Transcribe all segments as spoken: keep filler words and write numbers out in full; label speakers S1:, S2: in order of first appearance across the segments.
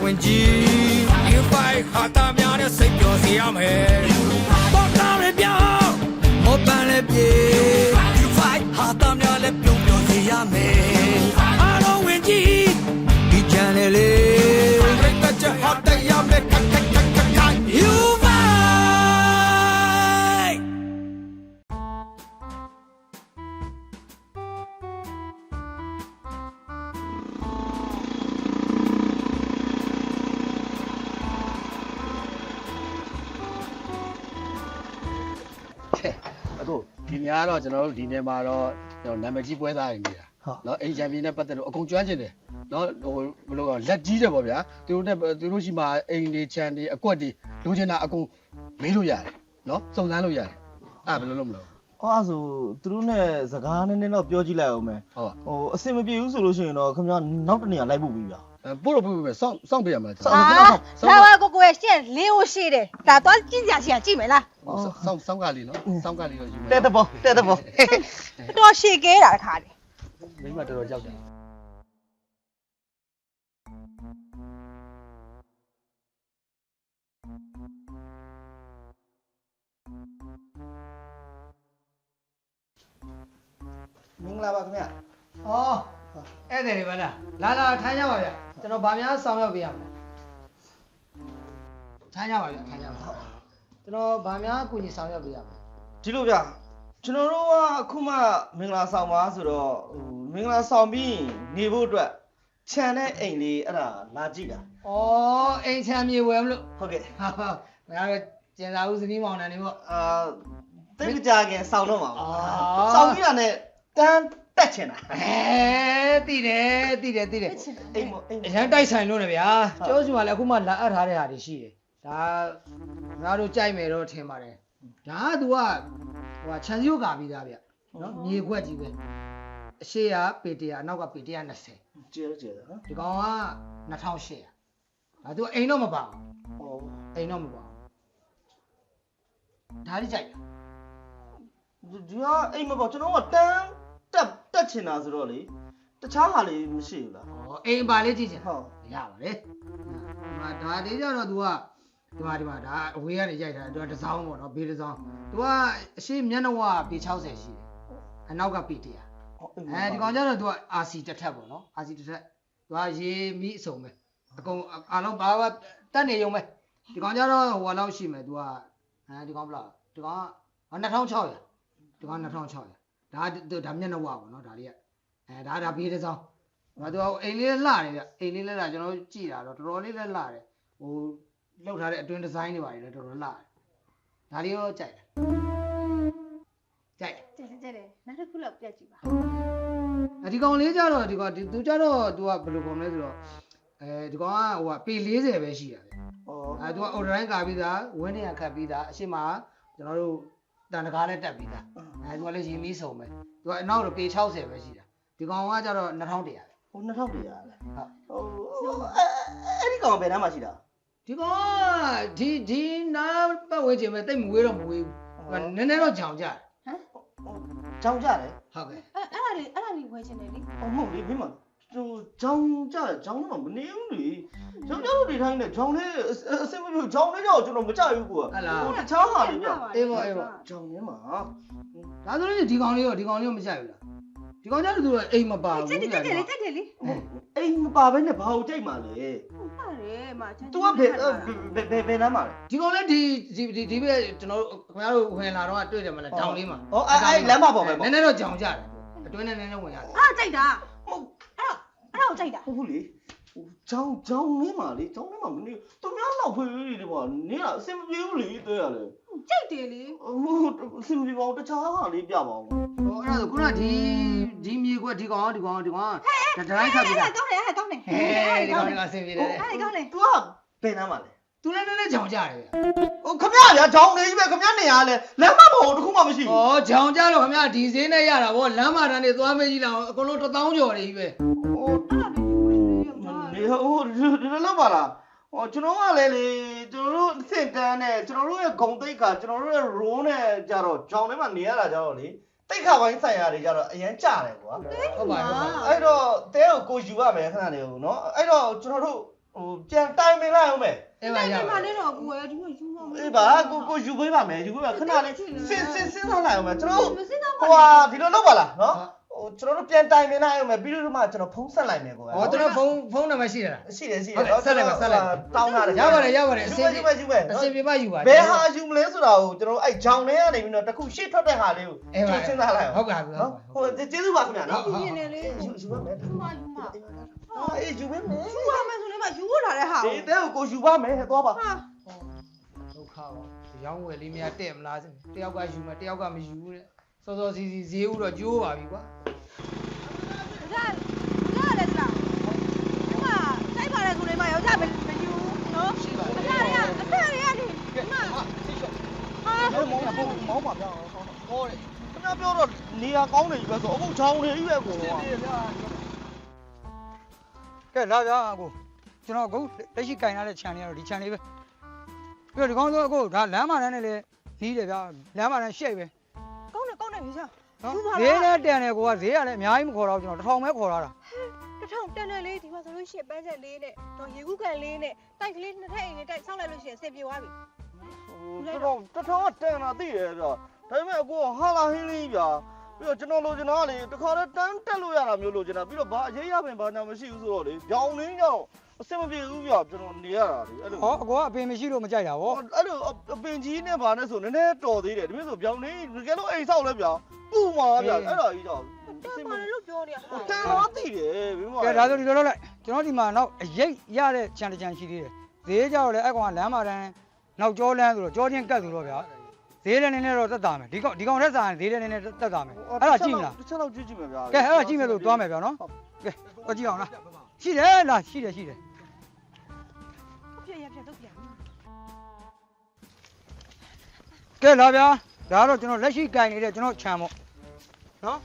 S1: ဝင်ကြီးယူဖိုင်ဟာတာများနဲ့စိတ်ပျော်စေရမယ်ပေါ်ကားရပြောင်းမောပန်းလည်းပြေယူဖိုင်ဟာတာများလည်းပြုံးပျော်စေရမယ်အားလုံးဝင်ကြီးဒီချန်နယ်လေးရိတ်တချဟာတရားမဲ့ခက်ခက်ခက်ခက်ယူဖိုင်
S2: အခုဒီများတော့ကျွန်တော်တို့ဒီနေ့မှာတော့ကျွန်တော်နာမည်ကြီးပွဲသားတွေနေတာเนาะအိမ်ချန်ပီယံနဲ့ပတ်သက်လို့အကုန်ကျွမ်းကျင်တယ်เนาะဟိုဘယ်လိုကလက်ကြီးတယ်ပေါ့ဗျာသူတို့နဲ့သူတို့ရှိမှာအိမ်တွေချန်တွေအကွက်တွေလိုချင်တာအကုန်မေးလို့ရတယ်เนาะစုံစမ်းလို့ရတယ်အဲ့ဘယ်လိုလုပ်မလို့
S3: အော်ဆိုသူတို့နဲ့စကားနည်းနည်းတော့ပြောကြည့်လိုက်အောင်မယ်
S2: ဟုတ်
S3: ဟိုအဆင်မပြေဘူးဆိုလို့ရှိရင်တော့ခင်ဗျားနောက်တနေရာလိုက်ဖို့ပြီးဗျာ
S2: ပို့လို့ပို့ပို့စောင့်စောင့်ပြရမှာ
S4: စောင့်လာပါကိုကိုရဲ့ရှင့်လေးကိုရှိတယ်ဒါတော့ကြည့်ကြရှိရကြည့်မယ်လား
S2: စောင့်စောင့်ကလေးနော်စောင့်ကလေးတော့ယူမယ်
S3: တဲ့တဘောတဲ့တဘော
S4: တော်ရှေ့ကဲတာတခါလေ
S2: မိမတော်တော်ကြောက်တယ်
S5: မင်္ဂလာပါခင်ဗျာ။အော်ဧည့်သည်တွေပါလား။လာလာထိုင်ကြပါဗျ။ကျွန်တော်ဗာများဆောင်ရောက်ပေးရမယ်။ထိုင်ကြပါဗျထိုင်ကြပါ။ကျွန်တော်ဗာများအကူကြီးဆောင်ရောက်ပေးရမယ်
S3: ။ဒီလိုဗျကျွန်တော်တို့ကအခုမှမင်္ဂလာဆောင်ပါဆိုတော့ဟိုမင်္ဂလာဆောင်ပြီးနေဖို့အတွက်ခြံတဲ့အိမ်လေးအဲ့ဒါလာကြည့်တာ
S5: ။အော်အိမ်ခြံမြေဝယ်မလို့
S3: ဟုတ်ကဲ့
S5: ။ဟာဟာငါကတော့ကျန်စာဦးဇနီးမောင်နှံနေပေါ့
S3: ။အာတိတ်ကြခင်ဆောင်တော့မှာပါ။ဆောင်ပြီးတာနဲ့တန်းတက်ချင်တာ
S5: အဲတည်တယ်တည်တယ်တည်တယ်
S3: အိမ်မအိမ်
S5: အရန်တိုက်ဆိုင်လို့နေဗျာကျောစီမှာလည်းအခုမှလာအပ်ထားတဲ့ဟာတွေရှိတယ်ဒါငါတို့ကြိုက်မယ်တော့ထင်ပါတယ်ဒါက तू ကဟိုဟာခြံစည်းရိုးကာပြီးသားဗျနော်မြေခွက်ကြီးပဲအရှိကပေတရာအနောက်ကပေတရာနှစ်ဆယ်
S3: ကျဲကျဲနော်
S5: ဒီကောင်ကနှစ်ထောင်ရှစ်ရာဒါ तू အိမ်တော့မပါဘူးဩအိမ်တော့မပါဘူးဒါလေးကြိုက်
S3: လားဒီကအိမ်မပေါ့ကျွန်တော်ကတန်းတက်တက်ချင်တာဆိုတော့လေတခြားဟာလေးမရှိဘူးလား
S5: ဩအိမ်ပါလေးကြည့်ချင်ဟုတ်ရပါလေဒီမှာဒါလေးကြတော့ तू ကဒီမှာဒီမှာဒါအဝေးကနေရိုက်ထားတယ် तू ကတစ်စောင်းပေါ့နော်ဘေးတစ်စောင်း तू ကအရှိမျက်နှာဝပေ၆၀ရှိတယ်အနောက်ကပေတရာအဲဒီကောင်ကျတော့ तू က အာစီ တစ်ထက်ပေါ့နော် အာစီ တစ်ထက် तू ကရေမီးအစုံပဲအကုန်အားလုံးဘာဘာတက်နေရုံပဲဒီကောင်ကျတော့ဟိုလောက်ရှိမယ် तू ကအဲဒီကောင်ဘလောက်ဒီကောင်ကနှစ်ထောင်ခြောက်ရာဒီကောင်နှစ်ထောင်ခြောက်ရာဒါဒါမျက်နှာဝပေါ့နော်ဒါလေးကအဲဒါဒါဘေးတစ်စောင်းဒါသူအိမ်လေးလှတယ်ဗျအိမ်လေးလည်းလှကျွန်တော်ကြည့်တာတော့တော်တော်လေးလည်းလှတယ်ဟိုလောက်ထားတဲ့အတွင်းဒီဇိုင်းတွေပါလေတော်တော်လှတယ်ဒါလေးရောကြိုက်တယ်ကြိုက်
S4: ကြိုက်ကြိုက်တယ်နောက်တစ်ခုလောက်ပြတ်ကြည့်ပါ
S5: အဲဒီကောင်လေးကြတော့ဒီကောင်သူကြတော့သူကဘယ်လိုပုံလဲဆိုတော့အဲဒီကောင်ကဟိုကပေ၄၀ပဲရှိတာဗျအဲသူကအော်ဒရိုင်းကာပြီးသားဝင်းနေရခတ်ပြီးသားအရှိမကျွန်တော်တို့တန်တကားနဲ့တက်ပြီးသားအဲသူကလည်းရေမီးစုံပဲသူကအနောက်တော့ပေ၆၀ပဲရှိတာဒီကောင်ကကြတော့နှစ်ထောင်တရာ
S3: ဟိုနှစ်ထောင်တရာလေဟုတ်ဟိုအဲ့ဒီကောင်ဘယ်နှမ်းမှရှိတာ
S5: ဒီကောင်ကဒီဒီနားပတ်ဝဲခြင်းပဲတိတ်မဝေးတော့မဝေးဘူးနည်းနည်းတော့ကြောင်ကြတယ်
S3: ဟမ်ကြောင်ကြတယ်
S5: ဟုတ်ကဲ့
S4: အဲ့အဲ့ဒါလေးအဲ့ဒါလေးဝဲခြင်းတယ်လေ
S3: ဟုတ်မဟုတ်လေမင်းမဟိုကြောင်ကြတယ်ကြောင်တော့မနေဘူးလေကြောင်ကြလို့နေထိုင်နေကြောင်လေးအစင်မပြကြောင်လေးကြောင်ကျွန်တော်မကြိုက်ဘူးကွာဟိုတခြားဟာလေးပြ
S5: အေးပေါ့အေးပေါ့
S3: ကြောင်ထဲမှာ
S5: ဒါဆိုရင်ဒီကောင်လေးရောဒီကောင်လေးရောမကြိုက်ဘူးလားဒီကောင်ကြတော့သူကအိမ်မပါဘူး
S4: ကြိုက်တယ်ကြိုက်တယ်ကြိုက်တယ်လေ
S3: အိမ်မပါဘဲနဲ့ဘာကိုကြိုက်မှာလဲ
S4: ဟုတ်ပါတယ်မချမ်း
S3: तू ကဘယ်ဘယ်ဘယ်နားမှာလဲ
S5: ဒီကောင်လည်းဒီဒီဒီပဲကျွန်တော်တို့ခင်ဗျားတို့ဝင်လာတော့တွေ့တယ်မလားတောင်လေးမှာ
S3: ဩအဲ့အဲ့လမ်းမပေါ်ပဲပေါ့
S5: နည်းနည်းတော့ကြောင်ကြတယ်အတွင်းနဲ့နည်းနည်းဝင်ရတယ်
S4: အားကြိုက်တာဟုတ်အဲ့အဲ့ဒါကိုကြိုက်တာ
S3: ဟုတ်လေကြောင်ကြောင်နေမှာလေကြောင်နေမှာမနေသူများလောက်ဖွေးလေးတွေပေါ့နင်းကအစင်မပြေဘူးလေတွေ့ရလေ
S4: ကြိုက်တယ်လေ
S3: မဟုတ်အစင်မပြေပါဘူးတခြားဟာလေးပြပါဦး
S5: ဟောအဲ့ဒါဆိုခုနဒီဒီမြေကွက်ဒီကောင်ဒီကောင်ဒီကောင်ဒါတိုင်းခတ်ပြီး
S4: တာကောင်းတယ်အဲ့ကောင်းတယ်
S5: ဟဲ့ဒီကောင်ကအစင်ပြေတယ်
S4: အဲ့ကောင်းတယ်
S3: तू ကဘယ်နားမှာလဲ
S5: သူလည်းနည်းနည်းကြောင်ကြတယ်ဗျ
S3: ဟိုခမရဗျာကြောင်နေကြီးပဲခမရနေရလဲလမ်းမပေါ်တခုမှမရှိ
S5: ဘူးဩကြောင်ကြတော့ခမရဒီဈေးနဲ့ရတာဗောလမ်းမတန်းနေသွားမေးကြည့်လောက်အကုန်လုံးတစ်သောင်းကျော်နေကြီးပဲ
S3: ဟိုနေဟိုဒီလိုလောက်ပါလားဟောကျွန်တော်ကလည်းလေကျွန်တော်တို့အစ်စ်တန်းနဲ့ကျွန်တော်တို့ရဲ့ဂုံတိတ်ကကျွန်တော်တို့ရဲ့ roll နဲ့ကြတော့ကြောင်ထဲမှာနေရတာကြတော့လေတိတ်ခါပိုင်းဆိုင်ရာတွေကြတော့အရင်ကြတယ်ကွာ
S5: ဟုတ်ပါဘူး
S3: အဲ့တော့တဲကိုကိုယူရမယ်ခဏနေဦးเนาะအဲ့တော့ကျွန်တော်တို့ဟဟိုပြန်တိုင်ပင်လိုက်အောင်မယ်
S5: အဲ့ပါရ
S4: ဒီ
S5: ပါ
S4: မှာလေးတော့ကိုယ်ဒီမှာယူမှာမ
S3: အေးပါကိုကိုယူပေးပါမယ်ယူပေးပါခဏလေးစင်စင်စင်ထားလိုက်အောင်မယ်ကျွန်တော်
S4: မစင်းတော့
S3: ဟိုဟာဒီလိုလုပ်ပါလားနော်ဟိုကျွန်တော်တို့ပြန်တိုင်ပင်လိုက်အောင်မယ်ပြီးတော့မှကျွန်တော်ဖုန်းဆက်လိုက်မယ်ကို
S5: ဟောကျွန်တော်ဖုန်းဖုန်းနံပါတ်ရှိတယ်လား
S3: ရှိတယ်ရှိတယ်တောင်းထားတယ်
S5: ရပါတယ်ရပါတယ်အစင်ပြေ
S3: ယူပဲယူပဲ
S5: အစင်ပြေပါယူပါ
S3: ဘယ်ဟာယူမလဲဆိုတာကိုကျွန်တော်အဲ့ဂျောင်ထဲကနေပြီးတော့တခုရှေ့ထွက်တဲ့ဟာလေးကိုကျွန်တော်စဉ်းစားလိုက်အောင်
S5: ဟုတ်ကဲ့ဟုတ်ကဲ့
S3: နော်ဟိုကျေးဇူးပါခင်ဗျာနော်
S4: ပြင်းနေလေ
S3: ယူယူပါမယ်
S4: ယူမှာယူမှာ
S3: အေးယူပေးမယ်
S4: ယူပါမယ်ဆိုလည်းမယူလာတဲ့ဟာ
S3: ဒီတဲ့ကိုယူပါမယ်သွားပါ
S4: ဟာ
S5: ဒုက္ခပါရောင်းဝယ်လေးမရတဲ့မလားတယောက်ကယူမယ်တယောက်ကမယူတဲ့စောစောစီစီဈေးဥတော့ကျိုးပါပြီကွာ
S4: ဒါဒါလည်းလားဒီမှာစိုက်ပါလေဆိုလည်းမယောက်ျားမယူနော်အဖရအဖရရဒီမှာဟာ
S3: မောင်းမောင်းမောင်းပါဗျာဟောတယ်ခင်ဗျားပြောတော့နေရာကောင်းနေပြီပဲဆိုအခုချောင်းနေပြီပဲကိုက
S6: ကဲလာဗျာအခုကျွန်တော်အခုလက်ရှိကင်ထားတဲ့ channel ကတော့ဒီ channel လေးပဲပြီးတော့ဒီကောင်းဆုံးအခုဒါလမ်းမတန်းနဲ့လည်းနီးတယ်ဗျာလမ်းမတန်းရှိတ်ပဲ
S4: ကောင်းတယ်ကောင်းတယ်ယူစား
S6: နော်
S4: ယူပါ
S6: ဈေးနဲ့တန်တယ်ကိုကဈေးကလည်းအများကြီးမခေါ်တော့ကျွန်တော်တစ်ထောင်ပဲခေါ်လာတာ
S4: တစ်ထောင်တန်တယ်လေးဒီမှာဆိုလို့ရှိရင်ပန်းချက်လေးနဲ့တော့ရေကူးကန်လေးနဲ့တိုက်ကလေးနှစ်ထပ်အိမ်လေးတိုက်ဆောက်လိုက်လို့ရှိရင်အဆင်ပြေသွားပြီ
S3: တော်တော်တော်တော်တန်တာသိရတော့ဒါပေမဲ့အခုဟာလာဟင်းလေးဗျာပြီးတော့ကျွန်တော်လိုချင်တာလေတခါတည်းတန်းတက်လို့ရတာမျိုးလိုချင်တာပြီးတော့ဘာအရေးရပင်ဘာညာမရှိဘူးဆိုတော့လေကြောင်လင်းကြောင်အဆင်မပြေဘူးဗျာကျွန်တော်နေရတာလေအဲ့လို
S6: ဟောအကောကအပင်မရှိလို့မကြိုက်တာဗော
S3: အဲ့လိုအပင်ကြီးနဲ့ဘာနဲ့ဆိုနည်းနည်းတော်သေးတယ်ဒါပေမဲ့ဆိုကြောင်လင်းတကယ်လို့အိမ်ဆောက်လဲဗျာပူမှာဗျာအဲ့ဒါကြီးကြောင်
S4: တန်ပါလေလို့ပြောနေတာဟာ
S3: တန်တော့သိတယ်ဘယ်မှာ
S6: ကဲဒါဆိုဒီလိုလုပ်လိုက်ကျွန်တော်ဒီမှာနောက်အရိပ်ရတဲ့ channel တစ် channel ရှိသေးတယ်ဈေးကြောက်လည်းအဲ့ကောင်ကလမ်းမတန်းနောက်ကျောလန်းဆိုတော့ကျောချင်းကတ်ဆိုတော့ဗျာဈေးလည်းနည်းနည်းတော့တက်တာမယ်ဒီကောင်ဒီကောင်ထက်စာရင်ဈေးလည်းနည်းနည်းတက်တာမယ်အဲ့ဒါကြည့်မလား
S3: တစ်ချက်တော့ကြည့်ကြည့်မယ်ဗျာ
S6: ကဲအဲ့ဒါကြည့်မယ်လို့တွားမယ်ဗျာနော်ကဲတော့ကြည့်အောင်လားရှိတယ်လားရှိတယ်ရှိတယ်
S4: ပြည့်ရပြည့်တော့ပြန်
S6: ကဲလာဗျာဒါကတော့ကျွန်တော်လက်ရှိကင်နေတဲ့ကျွန်တော် channel ပေါ့နော်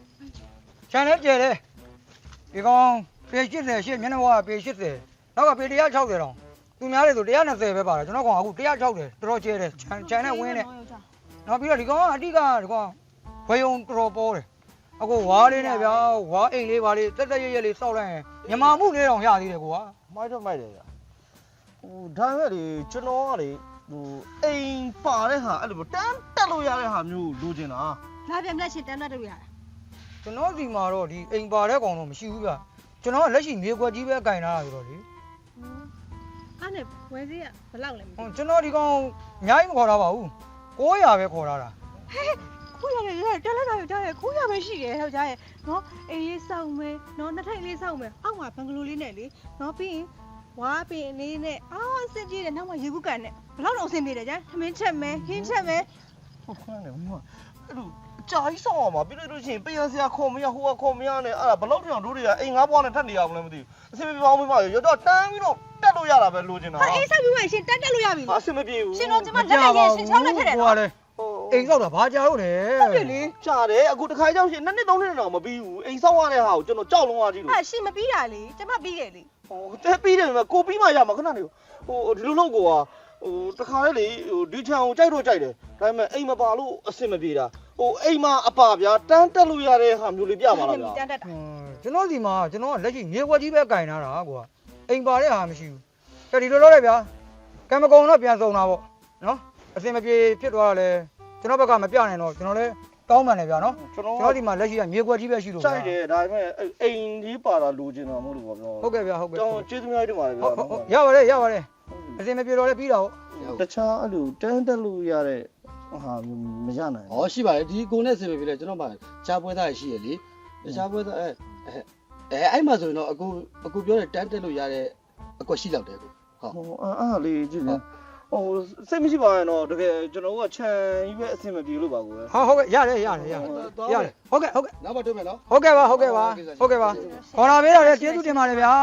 S6: channel ကျယ်တယ်ဒီကောင်ပေ၈၀ရှစ်မျက်နှာဝါပေ၈၀နောက်ကပေ၁၆၀တောင်သူများတွေဆို၁၂၀ပဲပါတယ်ကျွန်တော်ကောင်အခု၁၆၀တော်တော်ကျယ်တယ် channel ဝင်းတယ်နောက်ပြီးတော့ဒီကောင်ကအတိကဒီကောင်ဝေယုံတော်ပေါ်တယ်အခုဝါးလေးနဲ့ဗျာဝါးအိမ်လေးပါလေးတက်တက်ရရလေးစောက်လိုက်ရင်ညမာမှုလေးတောင်ရသေးတယ်ကွာ
S3: မိုက်တော့မိုက်တယ်ဗျာဟိုဒါပေမဲ့လေကျွန်တော်ကလေဟိုအိမ်ပါတဲ့ဟာအဲ့လိုတန်းတက်လို့ရတဲ့ဟာမျိုးလိုချင်တာ
S4: လာပြန်လက်ရှင်တန်းတတ်လို့ရတာ
S6: ကျွန်တော်ဒီမှာတော့ဒီအိမ်ပါတဲ့ကောင်တော့မရှိဘူးဗျကျွန်တော်ကလက်ရှိမြေကွက်ကြီးပဲကင်ထားတာဆိုတော့လေ
S4: အဲ့နဲ့ဝယ်သေးရဘယ်လောက်လဲမ
S6: ဟို
S4: သိ
S6: ကျွန်တော်ဒီကောင်အများကြီးမခေါ်တာပါဘူး၉၀၀ပဲခေါ်ထားတာ
S4: ခိုးရတယ်တက်လက်တာရကြားရခိုးရပဲရှိတယ်ဟောကြားရနော်အေးလေးစောက်မယ်နော်နှစ်ထိုင်လေးစောက်မယ်အောက်မှာဘန်ဂလိုလေးနဲ့လေနော်ပြီးရင်ဝါပင်လေးနဲ့အာစစ်ကြည့်တယ်နောက်မှရေကူးကန်နဲ့ဘယ်လောက်တော့အဆင်ပြေတယ်ကြားထမင်းချက်မယ်ဟင်းချက်မယ်
S3: ဟုတ်ခွန်းတယ်ဟိုအဲ့လိုကြာကြီးဆောင်အောင်ပါပြီးလို့ရှိရင်ပေးရစရာခေါ်မရဟိုကခေါ်မရနဲ့အဲ့ဒါဘလောက်တောင်တို့တွေကအိမ်ငါးဘွားနဲ့ထပ်နေရအောင်လည်းမသိဘူးအဆင်မပြေပါဘူးမမရတော့တန်းပြီးတော့တက်လို့ရတာပဲလိုချင်တာ
S4: ဟာအေးဆက်ပြီးမှရှင်တက်တက်လို့ရပြီ
S3: ဟာအဆင်မပြေဘူး
S4: ရှင်တို့ကျမလက်နဲ့ရင်ရှင်ချောင်းနဲ့ထက်တယ်
S6: ဟို
S4: နော်
S6: ကလေအိမ်ဆောက်တာဘာကြာလို့လဲ
S4: ဟုတ်တယ်လေ
S3: ကြာတယ်အခုတစ်ခါကြောက်ရှင်နှစ်နှစ်သုံးနှစ်တော့မပြီးဘူးအိမ်ဆောက်ရတဲ့ဟာကိုကျွန်တော်ကြောက်လုံးသွားကြည့်လို့
S4: ဟာရှင်မပြီးတာလေကျမပြီးတယ်လေ
S3: ဟိုတဲပြီးတယ်မှာကိုပြီးမှရမှာခဏနေဟိုဒီလိုလုပ်ကိုကဟိုတခါလေလေဟိုဒီချံကိုကြိုက်တော့ကြိုက်တယ်ဒါပေမဲ့အိမ်မပါလို့အဆင်မပြေတာဟိုအိမ်မှာအပါဗျာတန်းတက်လို့ရတဲ့ဟာမျိုးလေးပြပါလားဗျာ
S4: တန်းတက်တာ
S6: ကျွန်တော်ဒီမှာကျွန်တော်ကလက်ရှိမြေကွက်ကြီးပဲကင်ထားတာကွာအိမ်ပါတဲ့ဟာမရှိဘူးကဲဒီလိုလုပ်လိုက်ဗျာကံမကုံတော့ပြန်စုံတာပေါ့နော်အစင်မပြေဖြစ်သွားတာလေကျွန်တော်ဘက်ကမပြနိုင်တော့ကျွန်တော်လည်းတောင်းပန်တယ်ဗျာနော်
S3: ကျွန်တော်
S6: ကျွန်တော်ဒီမှာလက်ရှိကမြေကွက်ကြီးပဲရှိလို့
S3: ကြိုက်တယ်ဒါပေမဲ့အိမ်ကြီးပါတာလိုချင်တာမဟုတ်လို့ပါဗျာ
S6: ဟုတ်ကဲ့ဗျာဟုတ်ကဲ့
S3: ကျောင်းကျေးဇူးများတင်ပါတယ်ဗျာ
S6: ဟုတ်ဟုတ်ရပါတယ်ရပါတယ်အစင်မပြေတော့လည်းပြီးတာဟုတ်
S3: တခြားအဲ့လိုတန်းတက်လို့ရတဲ့ဟာမရနိုင်
S2: ဟောရှိပါတယ်ဒီကိုနဲ့ဆင်ပြေပြီလေကျွန်တော်မှချားပွဲသားရှိရလေချားပွဲသားအဲအဲအဲ့မှာဆိုရင်တော့အခုအခုပြောတဲ့တန်းတက်လို့ရတဲ့အကွက်ရှိလောက်တယ်ကိုဟုတ်
S3: ဟိုအားအားလေးကြည့်နေဟိုစိတ်မရှိပါရင်တော့တကယ်ကျွန်တော်ကခြံကြီးပဲအဆင်မပြေလို့ပါကိုပဲ
S6: ဟုတ်ဟုတ်ကဲ့ရတယ်ရတယ်ရတယ်ရတယ်ဟုတ်ကဲ့ဟုတ်ကဲ့
S2: နောက်မှတွေ့မယ်နော်
S6: ဟုတ်ကဲ့ပါဟုတ်ကဲ့ပါဟုတ်ကဲ့ပါခေါ်လာပေးတော့လေကျေးဇူးတင်ပါတယ်ဗျာ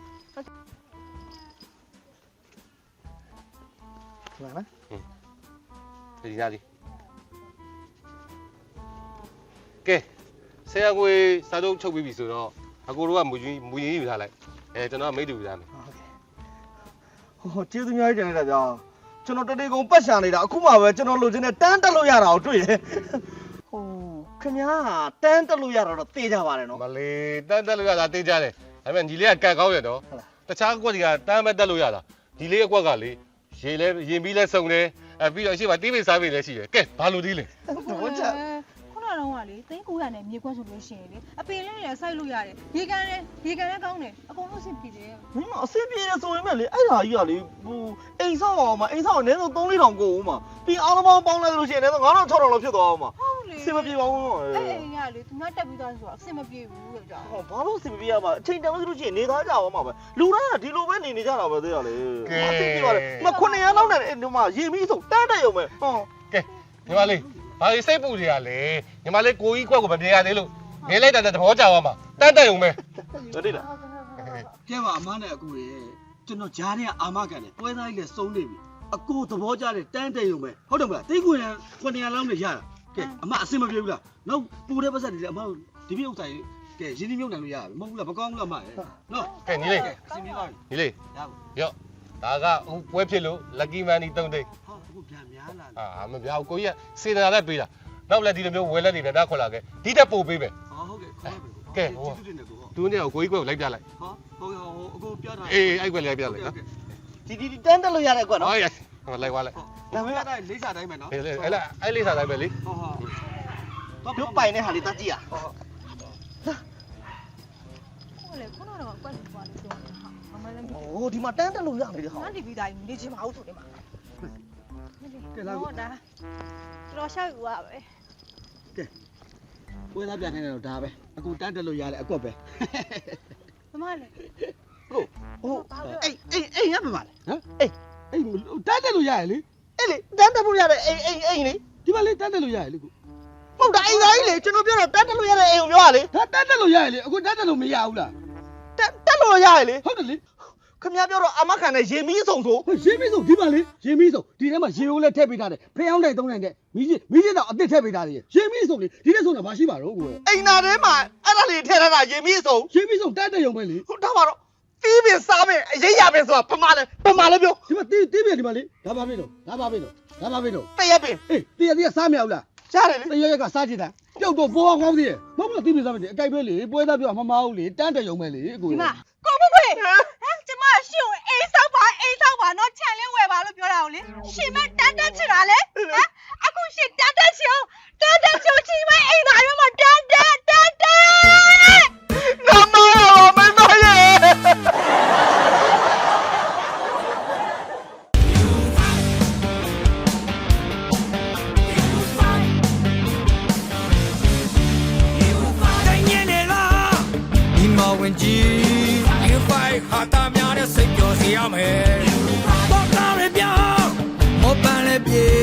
S3: မှန်လား
S7: ဒီသားလေးကဲဆရာကိုစာချုပ်ချုပ်ပြီးပြီဆိုတော့အကိုတို့ကမူကြီးမူကြီးယူထားလိုက်အဲကျွန်တော်ကမိတ်တူယူထားမယ်
S3: ဟိုကျေးဇူးများတင်လိုက်တာဗျာကျွန်တော်တတိကုံပတ်ရှာနေတာအခုမှပဲကျွန်တော်လိုချင်တဲ့တန်းတက်လို့ရတာကိုတွေ့တယ်ဟိုခင်ဗျားတန်းတက်လို့ရတာတော့သိကြပါတယ်နော်
S7: မလေးတန်းတက်လို့ရတာသိကြတယ်ဒါပေမဲ့ညီလေးကကတ်ကောင်းရတော့တခြားအကွက်တွေကတမ်းမဲ့တက်လို့ရတာဒီလေးအကွက်ကလေရေလဲရင်ပြီးလဲစုံတယ်အဲပြီးတော့အရှိမတီးပိစားပိလည်းရှိတယ်ကဲဘာလို့ဒီလဲ
S3: ဘောချ
S4: ခုနကတော့ကလေသိန်းကိုရနဲ့မြေခွန်းဆိုလို့ရှိရင်လေအပင်လေးနဲ့စိုက်လို့ရတယ်ရေကန်နဲ့ရေကန်နဲ့ကောင်းတယ်အကုန်လုံးအဆင်ပြေတယ်
S3: မင်းအဆင်ပြေရဆိုရင်မဲ့လေအဲ့ဒါကြီးကလေဟိုအိမ်ဆောက်အောင်မအိမ်ဆောက်အနည်းဆုံးသုံးလေးထောင်ကိုဦးမှာပြီးအားလုံးပေါင်းပေါင်းလိုက်လို့ရှိရင်လည်းငါးထောင်ခြောက်ထောင်လောက်ဖြစ်သွားအောင်မှာ
S4: ဟုတ်လေ
S3: အဆင်မပြေပါဘူး
S4: အဲ့အိမ်ကလေသူကတက်ပြီးသားဆိုတာအဆင်မပြေဘူးလို့ကြောက်
S3: ဟောဘာလို့အဆင်မပြေရမှာအချိန်တန်လို့ရှိရင်နေသားကြအောင်မှာပဲလူတိုင်းကဒီလိုပဲနေနေကြတာပဲသိရလေအဆင်ပြေပါလေမခုနှစ်ရက်လောက်နဲ့ဒီမှာရေမီးဆိုတန်းတက်ရုံပဲဟော
S7: ကဲညီမလေးဘာလို့စိတ်ပူတွေကလဲညီမလေးကိုကြီးကွက်ကိုမပြေရသေးလို့ငယ်လိုက်တဲ့သဘောကျသွားမှာတန်းတက်ရုံပဲ
S3: ဟုတ်တယ်လား
S2: ကဲပါအမနဲ့အကိုရေကျွန်တော်ဂျားနဲ့အာမခံတယ်ပွဲသားကြီးလည်းစုံနေပြီအကိုသဘောကျတဲ့တန်းတဲ့ရုံပဲဟုတ်တယ်မလားတိတ်ခွေရခုနှစ်ရာလောက်နဲ့ရတာကဲအမအစင်မပြေဘူးလားနောက်ပူတဲ့ပတ်စက်တွေလည်းအမဒီပြဥစ္စာကြီးကဲရင်းနှီးမြုပ်နှံလို့ရပြီမဟုတ်ဘူးလားမကောင်းဘူးလားအမရေနော်
S7: ကဲညီလေး
S2: အစင်ပြေပါပြီ
S7: ညီလေး
S2: ရပါ
S7: ရော့ဒါကဟိုပွဲဖြစ်လို့ lucky money သုံးသိန်း
S2: ဟောအခုပြန်များလာ
S7: အာမပြောက်ကိုကြီးကစေတနာနဲ့ပေးတာနောက်လည်းဒီလိုမျိုးဝယ်လက်တွေနဲ့တားခွက်လာခဲ့ဒီတက်ပို့ပေးမယ်
S2: ဟောဟုတ်ကဲ့ခေါ်ပါမယ်
S7: ကဲဟို
S2: ကျေးဇူးတင်တယ်ကို
S7: သူနဲ့ကိုကြီးကွက်ကိုလိုက်ပြလိုက်
S2: ဟောဟုတ်ကဲ့ဟောအကိုပြောတာ
S7: အေးအဲ့ကွက်လေးလိုက်ပြလိုက်နော်
S3: ဒီဒီတန်းတက်လို့ရတဲ့ကွက်နော်
S7: ဟောရဟိုလိုက်သွားလိုက်
S2: ဒါပေမဲ့အဲ့လိမ့်စာတိုင်းပဲနော်
S7: အေးလေအဲ့လားအဲ့လေးစားတိုင်းပဲလေ
S2: ဟောဟော
S3: တို့ပိုင်တဲ့ဟာလေးတတ်ကြည့်ရ
S4: ဟုတ်လေခုနကတော့ကွက်ပြီးသွားလို့ပြောတယ်ဟာမမလည်းမ
S3: ဟိုဒီမှာတန်းတက်လို့ရနေတယ်ဟာ
S4: ငါတီဗီတိုင်းနေချင်မအောင်ဆိုတယ်မှာ
S2: ကဲလာ
S4: ဟုတ်တာတော်ရှောက်ယူရပဲ
S2: ပွဲသားပြန်နေတယ်တော့ဒါပဲအကူတန်းတက်လို့ရတယ်အကွက်ပဲ
S4: မမလည်း
S3: ဟုတ်ဟိုအေးအေးအေးရပါပါလေ
S2: ဟမ်အေးအေးတန်းတက်လို့ရတယ်လေ
S3: အေးလေတန်းတက်ဖို့ရတဲ့အေးအေးအေးလေ
S2: ဒီမှာလေတန်းတက်လို့ရတယ်လေကူ
S3: ဟုတ်တာအိမ်သားကြီးလေကျွန်တော်ပြောတာတန်းတက်လို့ရတဲ့အိမ်ကိုပြောရလေ
S2: ဒါတန်းတက်လို့ရတယ်လေအခုတန်းတက်လို့မရဘူးလား
S3: တက်တက်လို့ရရလေ
S2: ဟုတ်တယ်လေ
S3: ခင်ဗျားပြောတော့အမခံတဲ့ရေမီးဆောင်ဆို
S2: ဟိုရေမီးစုံဒီမှာလေရေမီးစုံဒီထဲမှာရေအိုးလည်းထည့်ပေးထားတယ်ဖျောင်းနိုင်သုံးနိုင်တဲ့မီးကြီးမီးကြီးတော့အသစ်ထည့်ပေးထားတယ်ရေမီးစုံလေဒီထဲစုံတာမရှိပါတော့ကိုယ်
S3: အိမ်သားထဲမှာအဲ့ဒါလေးထည့်ထားတာရေမီးဆောင်
S2: ရေမီးစုံတန်းတက်ရုံပဲလေ
S3: ဟုတ်တော့ပါတော့တီးပင်စားပင်အရေးရပင်ဆိုတာပမာလဲပမာလဲပြော
S2: ဒီမှာတီးတီးပြဒီမှာလေဒါပါပြီတော့ဒါပါပြီတော့ဒါပါပြီတော့
S3: တရက်ပင်
S2: အေးတီးရတီးရစားမရဘူးလား
S3: ကြားတယ်လေ
S2: တရရက်ကစားကြည့်တာပျောက်တော့ဘောကောင်းသေးရဲ့မဟုတ်ဘူးတီးပြစားမယ်အကြိုက်ပဲလေပွဲသားပြောမမအောင်လေတန်းတက်ရုံပဲလေအကို
S4: ဒီမှာကိုမခွေဟမ်ကျမရှင်းအိမ်ဆောက်ပါအိမ်ဆောက်ပါတော့ခြံလေးဝယ်ပါလို့ပြောတာကိုလေရှင်မတန်းတက်ချင်တာလေဟမ်အခုရှင်တန်းတက်ချင်တန်းတက်ချင်ချင်းမအိမ်သားရွာမှာတန်းတက်တန်းတက်
S3: ငါမတော်မင်းတို့ရဲ့
S1: တိုင်းညနေလားဒီမဝင်ကြီးယူဖိုင်ဟာတာများနဲ့စိတ်ပျော်စေရမယ်ပေါ့ကားရပြောင်းမောပန်းလည်းပြေ